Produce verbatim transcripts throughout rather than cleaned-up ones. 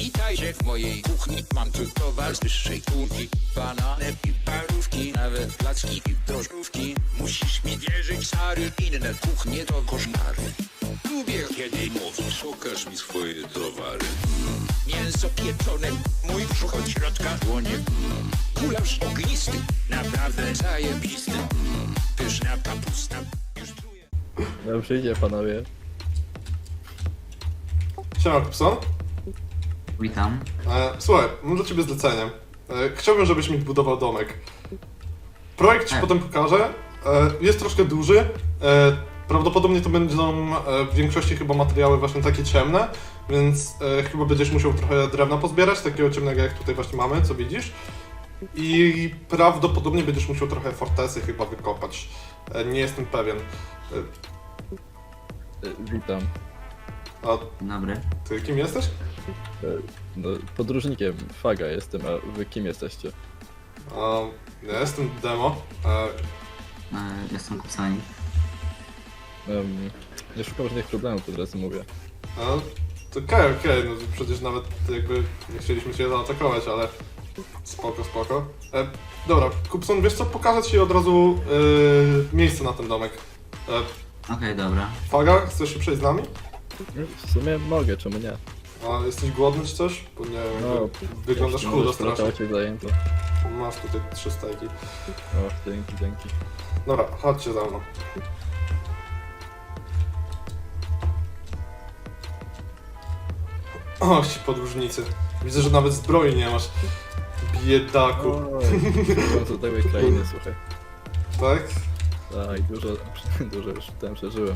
Witajcie w mojej kuchni. Mam tu towar z wyższej półki. Banany i parówki, nawet placki i drożdżówki. Musisz mi wierzyć, stary, inne kuchnie to koszmary. Lubię, kiedy mówisz, pokaż mi swoje towary. Mm. Mięso pieczone, mój brzuch od środka dłonie. Mm. Gulasz ognisty, naprawdę zajebisty. Mm. Pyszna kapusta, już czuję. Dobrze idzie, panowie. Siema, Kupson. Witam. E, słuchaj, mam dla ciebie zlecenie. E, chciałbym, żebyś mi budował domek. Projekt ci E. potem pokażę. E, jest troszkę duży. E, prawdopodobnie to będą e, w większości chyba materiały właśnie takie ciemne, więc e, chyba będziesz musiał trochę drewna pozbierać, takiego ciemnego jak tutaj właśnie mamy, co widzisz. I prawdopodobnie będziesz musiał trochę fortesy chyba wykopać. E, nie jestem pewien. E, E, Witam. a Dobry. ty kim jesteś? E, No, podróżnikiem Faga jestem, a wy kim jesteście? A, ja jestem Demo. E, E, jestem Kupsonik. Um, nie szukam żadnych problemów, od razu mówię. No, to okej, okej, no przecież nawet jakby nie chcieliśmy cię zaatakować, ale spoko, spoko. E, dobra, Kupson, wiesz co, pokażę ci od razu e, miejsce na ten domek. E, Okej, dobra. Faga, chcesz się przejść z nami? W sumie mogę, czemu nie? A jesteś głodny czy coś? Bo nie wiem, No, jakby wyglądasz jeśli chudo możesz, strasznie. trochę cię zajęto. Masz tutaj trzy stejki. O, dzięki, dzięki. Dobra, chodźcie za mną. O, ci podróżnicy. Widzę, że nawet zbroi nie masz. Biedaku. Oj, z odległej krainy, słuchaj. Tak? Tak, dużo, dużo już tam przeżyłem.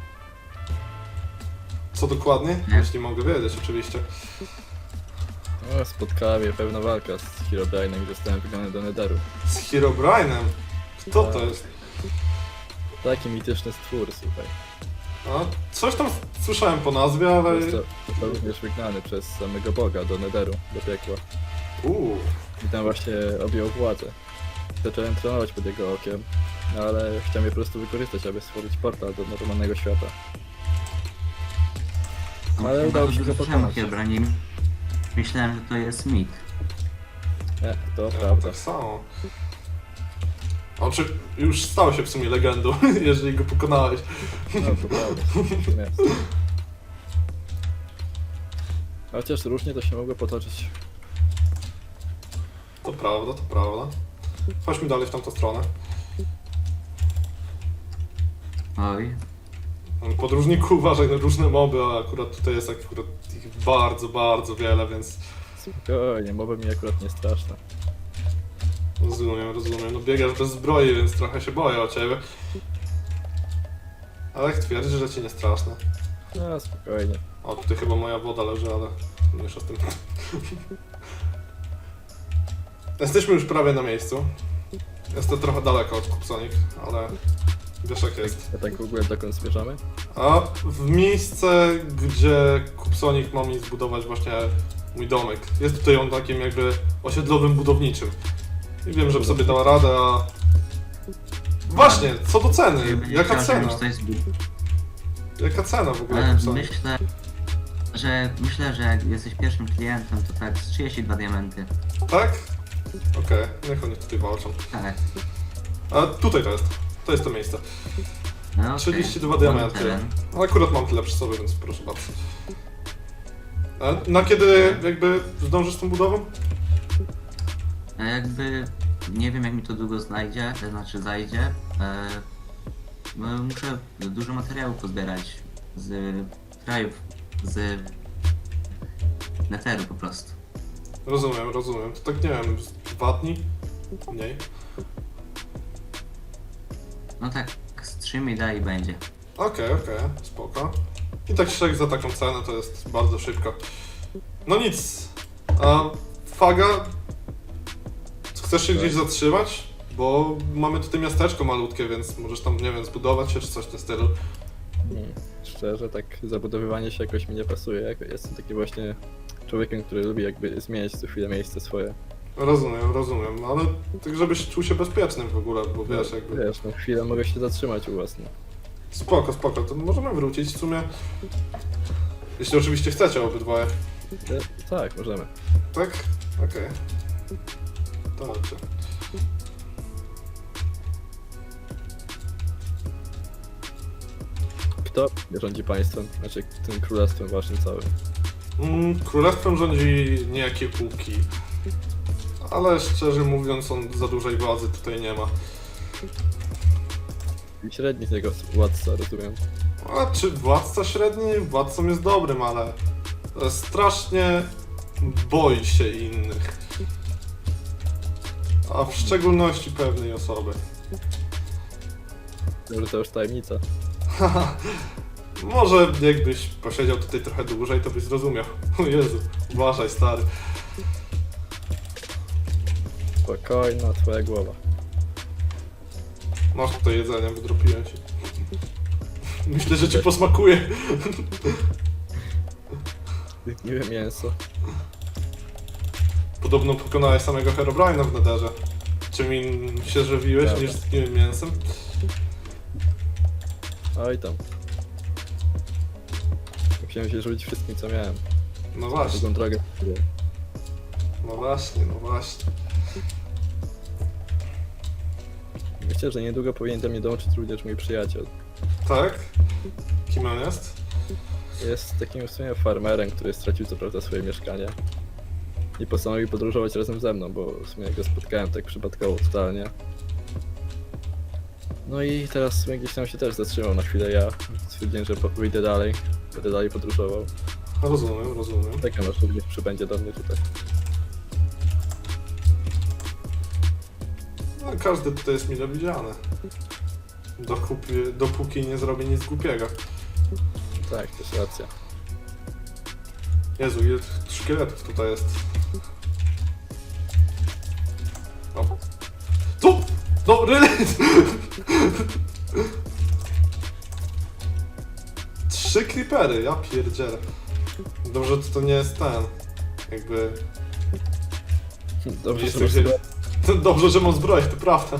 Co dokładnie? Nie. Jeśli mogę wiedzieć, oczywiście. No, spotkała mnie pewna walka z Herobrine'em i zostałem wygnany do Netheru. Z Herobrine'em? Kto to jest? Taki mityczny stwór, słuchaj. A, coś tam słyszałem po nazwie, ale... Został, został również wygnany przez samego Boga do Netheru, do piekła. Uuu, I tam właśnie objął władzę. Zacząłem trenować pod jego okiem, no ale chciałem je po prostu wykorzystać, aby stworzyć portal do normalnego świata. Ale Chyba udało się dobrze go słyszałem o pokonać. Herobrine. Myślałem, że to jest mit. Nie, to ja prawda. tak samo. Oczy, już stał się w sumie legendą, jeżeli go pokonałeś. No to prawda. Nie. Chociaż różnie to się mogło potoczyć. To prawda, to prawda. Chodźmy dalej w tamtą stronę. Oj. Podróżniku, uważaj na różne moby, a akurat tutaj jest akurat ich bardzo, bardzo wiele, więc Spokojnie, mowa mi akurat nie straszna. rozumiem, rozumiem. No biegasz bez zbroi, więc trochę się boję o ciebie. Ale jak twierdzisz, że ci nie straszne. No spokojnie. O, tutaj chyba moja woda leży, ale mniejsza z tym. Jesteśmy już prawie na miejscu. Jest to trochę daleko od Kupsonik, ale wiesz jak jest. A tak w ogóle dokąd zmierzamy? A w miejsce, gdzie Kupsonik ma mi zbudować właśnie mój domek. Jest tutaj on takim jakby osiedlowym budowniczym. I wiem, że sobie dała radę, a... Właśnie, co do ceny? Jaka Chciał, cena? żebym coś zbił. Jaka cena w ogóle Ale Kupsonik? myślę, że myślę, że jak jesteś pierwszym klientem, to tak z trzydzieści dwa diamenty. Tak? Okej, niech oni tutaj walczą. Tak. A tutaj to jest. To jest to miejsce. No, okej. trzydzieści dwa Mam diamenty. teren. No akurat mam tyle przy sobie, więc proszę bardzo. A na kiedy jakby zdążysz z tą budową? A jakby nie wiem jak mi to długo znajdzie, to znaczy zajdzie. E, bo muszę dużo materiałów pozbierać z krajów, z Netheru po prostu. Rozumiem, rozumiem. To tak nie wiem, z dwa dni? Mniej. No tak, z trzy mi da i będzie. Okej, okej, spoko. I tak szczerze za taką cenę to jest bardzo szybko. No nic. A Faga, chcesz się gdzieś zatrzymać? Bo mamy tutaj miasteczko malutkie, więc możesz tam, nie wiem, zbudować się czy coś w tym stylu. Hmm. Szczerze, tak zabudowywanie się jakoś mi nie pasuje. Jak- Jestem taki właśnie człowiekiem, który lubi jakby zmieniać co chwilę miejsce swoje. Rozumiem, rozumiem, no ale tak żebyś czuł się bezpiecznym w ogóle, bo wiesz, jakby... Wiesz, no chwilę mogę się zatrzymać u was, no. Spoko, spoko, to możemy wrócić w sumie. Jeśli oczywiście chcecie obydwoje. E, tak, możemy. Tak? Okej. Dobrze. Kto rządzi państwem? Znaczy tym królestwem waszym całym. Mm, królestwem rządzi niejaki Łuki. Ale szczerze mówiąc, on za dużej władzy tutaj nie ma. I średni z niego władca, rozumiem. A czy władca średni? Władcą jest dobrym, ale strasznie boi się innych. A w szczególności pewnej osoby. Może to już tajemnica. Może jakbyś posiedział tutaj trochę dłużej, to byś zrozumiał. O Jezu, uważaj stary. Spokojna twoja głowa. Masz tutaj jedzenie, wydropiłem ci. Myślę, że ci posmakuje. Miłe mięso. Podobno pokonałeś samego Herobrine'a w Netherze. Czym in się żywiłeś Prawda. niż z miłym mięsem? Oj tam. Musiałem się żywić wszystkim co miałem. No właśnie, Drugą drogę. no właśnie, no właśnie. Myślę, że niedługo powinien do mnie dołączyć również mój przyjaciel. Tak? Kim on jest? Jest takim w sumie farmerem, który stracił co prawda swoje mieszkanie. I postanowił podróżować razem ze mną, bo w sumie go spotkałem tak przypadkowo totalnie. No i teraz w sumie gdzieś tam się też zatrzymał na chwilę ja. Stwierdziłem, że po- wyjdę dalej, będę dalej podróżował. Rozumiem, rozumiem. Tak aż również przybędzie do mnie tutaj. No, każdy tutaj jest mile widziany. Dopóki, dopóki nie zrobi nic głupiego. Tak, to jest racja. Jezu, ile tych szkieletów tutaj jest. O. Tu! No, really? Trzy creepery, ja pierdzielę. Dobrze, to, to nie jest ten. Jakby... Dobrze, Jest że masz gdzie- zbroję. Dobrze, że mam zbroję, to prawda.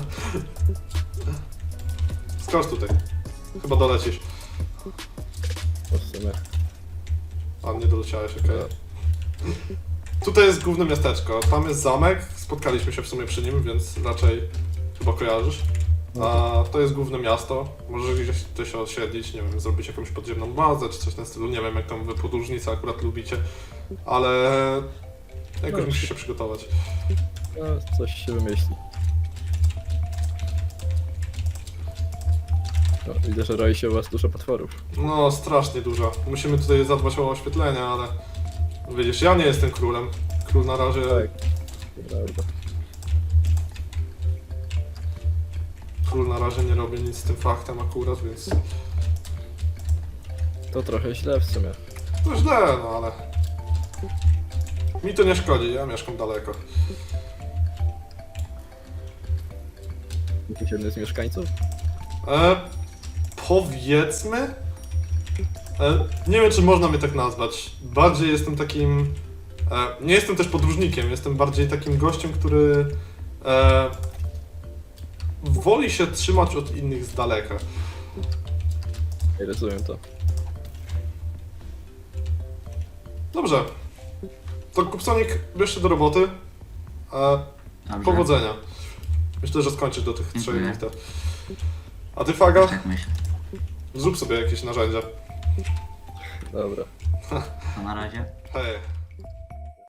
Skocz tutaj. Chyba dolecisz. No w sumie. A, nie doleciałeś, okej. Tutaj jest główne miasteczko, tam jest zamek, spotkaliśmy się w sumie przy nim, więc raczej chyba kojarzysz. A to jest główne miasto, możesz gdzieś tutaj się osiedlić, nie wiem, zrobić jakąś podziemną bazę czy coś w tym stylu, nie wiem jak tam wy podróżnicy akurat lubicie, ale jakoś No. musisz się przygotować. No, coś się wymyśli. No, widzę, że roi się u was dużo potworów. No, strasznie dużo. Musimy tutaj zadbać o oświetlenie, ale widzisz, ja nie jestem królem. Król na razie... Tak. Prawda. Król na razie nie robi nic z tym faktem akurat, więc... To trochę źle w sumie. To źle, no ale... Mi to nie szkodzi, ja mieszkam daleko. Jesteś jednym z mieszkańców? E, powiedzmy... E, nie wiem, czy można mnie tak nazwać. Bardziej jestem takim... E, nie jestem też podróżnikiem, jestem bardziej takim gościem, który... E, woli się trzymać od innych z daleka. Nie rozumiem to. Dobrze. To Kupsonik, bierz się do roboty. E, Dobrze. powodzenia. Myślę, że skończysz do tych trzech Dziękuję. liter. A ty, Faga, Tak myślę. zrób sobie jakieś narzędzia. Dobra. To na razie. Hej.